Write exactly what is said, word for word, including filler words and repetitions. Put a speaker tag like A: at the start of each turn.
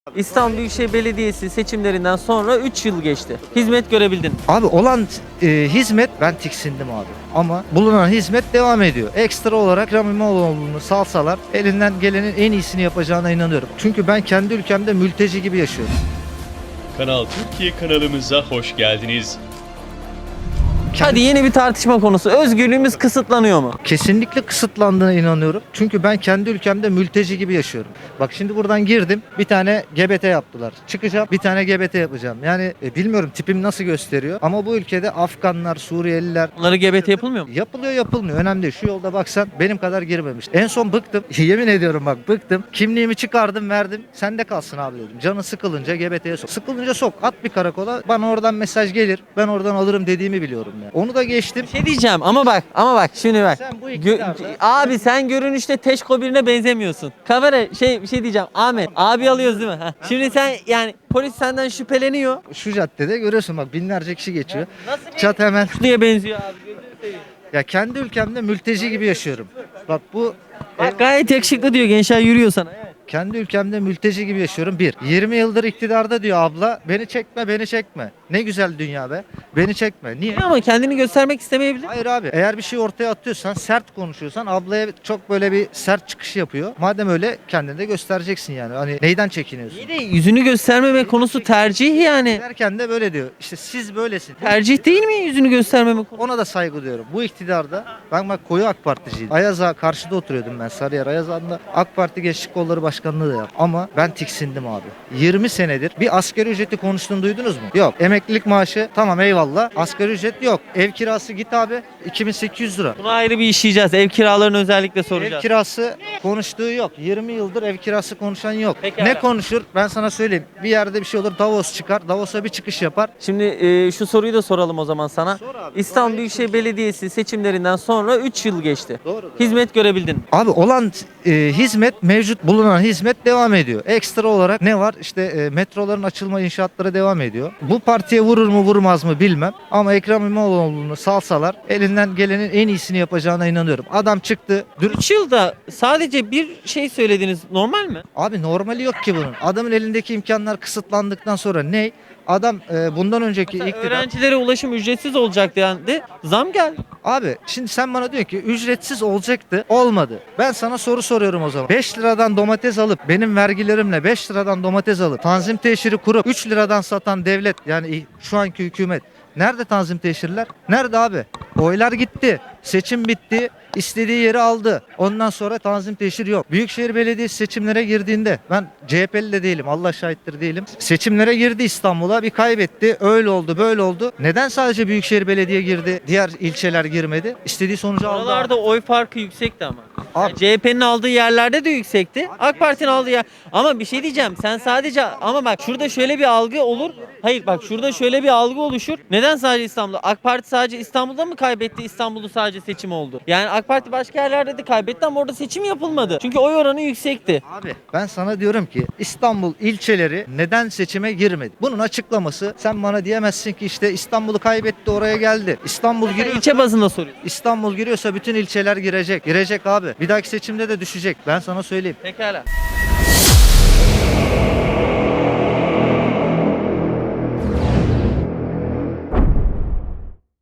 A: İstanbul Büyükşehir Belediyesi seçimlerinden sonra üç yıl geçti. Hizmet görebildin.
B: Abi olan e, hizmet ben tiksindim abi. Ama bulunan hizmet devam ediyor. Ekstra olarak Ekrem İmamoğlu'nu salsalar elinden gelenin en iyisini yapacağına inanıyorum. Çünkü ben kendi ülkemde mülteci gibi yaşıyorum.
C: Kanal Türkiye kanalımıza hoş geldiniz.
A: Hadi yeni bir tartışma konusu. Özgürlüğümüz kısıtlanıyor mu?
B: Kesinlikle kısıtlandığına inanıyorum. Çünkü ben kendi ülkemde mülteci gibi yaşıyorum. Bak şimdi buradan girdim. Bir tane G B T yaptılar. Çıkacağım. Bir tane G B T yapacağım. Yani e, bilmiyorum tipim nasıl gösteriyor. Ama bu ülkede Afganlar, Suriyeliler
A: Onlara G B T yapılmıyor mu?
B: yapılıyor yapılmıyor. Önemli değil. Şu yolda baksan benim kadar girmemiş. En son bıktım. Yemin ediyorum bak bıktım. Kimliğimi çıkardım verdim. Sende kalsın abi dedim. Canı sıkılınca G B T'ye sok. Sıkılınca sok. At bir karakola. Bana oradan mesaj gelir. Ben oradan alırım dediğimi biliyorum yani. Onu da geçtim.
A: Bir şey diyeceğim ama bak ama bak şimdi bak.
B: Sen bu
A: Gö-
B: iktidarda-
A: abi sen görünüşte Teşko birine benzemiyorsun. Kamera şey bir şey diyeceğim. Ahmet abi alıyoruz değil mi? Heh. Şimdi sen yani polis senden şüpheleniyor.
B: Şu caddede görüyorsun bak binlerce kişi geçiyor.
A: Nasıl bir
B: Çat hemen.
A: diye benziyor abi gözünü seveyim.
B: Ya kendi ülkemde mülteci gibi yaşıyorum. Bak bu
A: Bak gayet yakışıklı diyor gençler yürüyor sana. Evet.
B: kendi ülkemde mülteci gibi yaşıyorum. Bir, yirmi yıldır iktidarda diyor abla. Beni çekme, beni çekme. Ne güzel dünya be. Beni çekme. Niye?
A: Ama kendini göstermek istemeyebilir.
B: Hayır abi. Eğer bir şey ortaya atıyorsan, sert konuşuyorsan ablaya çok böyle bir sert çıkış yapıyor. Madem öyle kendini de göstereceksin yani. Hani neyden çekiniyorsun?
A: İyi de yüzünü göstermeme konusu tercih yani.
B: Derken de böyle diyor. İşte siz böylesin.
A: Tercih değil mi yüzünü göstermeme konusu?
B: Ona da saygı duyuyorum. Bu iktidarda ben bak koyu AK Particiydim. Ayaza karşıda oturuyordum ben Sarıyer Ayazağı'nda. AK Parti Gençlik Kolları Başkanlığı da yaptım. Ama ben tiksindim abi. yirmi senedir bir asgari ücreti konuştuğunu duydunuz mu? Yok. Emeklilik maaşı tamam eyvallah. Asgari ücret yok. Ev kirası git abi iki bin sekiz yüz lira.
A: Bunu ayrı bir işleyeceğiz. Ev kiralarını özellikle
B: Ev
A: soracağız.
B: kirası konuştuğu yok. yirmi yıldır ev kirası konuşan yok.
A: Pekala.
B: Ne konuşur? Ben sana söyleyeyim. Bir yerde bir şey olur Davos çıkar. Davos'a bir çıkış yapar.
A: Şimdi e, şu soruyu da soralım o zaman sana.
B: Sor abi.
A: İstanbul Büyükşehir Belediyesi seçimlerinden sonra üç yıl geçti.
B: Doğrudur.
A: Hizmet görebildin mi?
B: Abi olan e, hizmet mevcut bulunan hizmet devam ediyor. Ekstra olarak ne var? İşte e, metroların açılma inşaatları devam ediyor. Bu partiye vurur mu vurmaz mı bilmem. Ama Ekrem İmamoğlu'nu salsalar elinden gelenin en iyisini yapacağına inanıyorum. Adam çıktı. Dür-
A: üç yılda sadece bir şey söylediniz. Normal mi?
B: Abi normali yok ki bunun. Adamın elindeki imkanlar kısıtlandıktan sonra ne? Adam e, bundan önceki
A: Mesela
B: iktidar...
A: öğrencilere ulaşım ücretsiz olacak dendi. Zam geldi.
B: Abi şimdi sen bana diyorsun ki ücretsiz olacaktı. Olmadı. Ben sana soru soruyorum o zaman. beş liradan domates alıp benim vergilerimle beş liradan domates alıp tanzim teşhiri kurup üç liradan satan devlet yani şu anki hükümet nerede tanzim teşhirler? Nerede abi? Oylar gitti. Seçim bitti. İstediği yeri aldı. Ondan sonra tanzim teşhir yok. Büyükşehir Belediyesi seçimlere girdiğinde ben C H P'li de değilim. Allah şahittir değilim. Seçimlere girdi İstanbul'a bir kaybetti. Öyle oldu böyle oldu. Neden sadece Büyükşehir Belediye girdi? Diğer ilçeler girmedi. İstediği sonucu aldı.
A: Oralarda oy farkı yüksekti ama.
B: Abi-
A: Yani C H P'nin aldığı yerlerde de yüksekti. AK Parti'nin aldığı yer. Ama bir şey diyeceğim. Sen sadece ama bak şurada şöyle bir algı olur. Hayır bak şurada şöyle bir algı oluşur. Neden sadece İstanbul'da? AK Parti sadece İstanbul'da mı kaybetti? İstanbul'da sadece seçim oldu. Yani AK Parti başka yerlerde de kaybetti ama orada seçim yapılmadı. Çünkü oy oranı yüksekti.
B: Abi ben sana diyorum ki İstanbul ilçeleri neden seçime girmedi? Bunun açıklaması sen bana diyemezsin ki işte İstanbul'u kaybetti oraya geldi. İstanbul giriyor.
A: İlçe bazında soruyorsun.
B: İstanbul giriyorsa bütün ilçeler girecek. Girecek abi. Bir dahaki seçimde de düşecek. Ben sana söyleyeyim.
A: Pekala.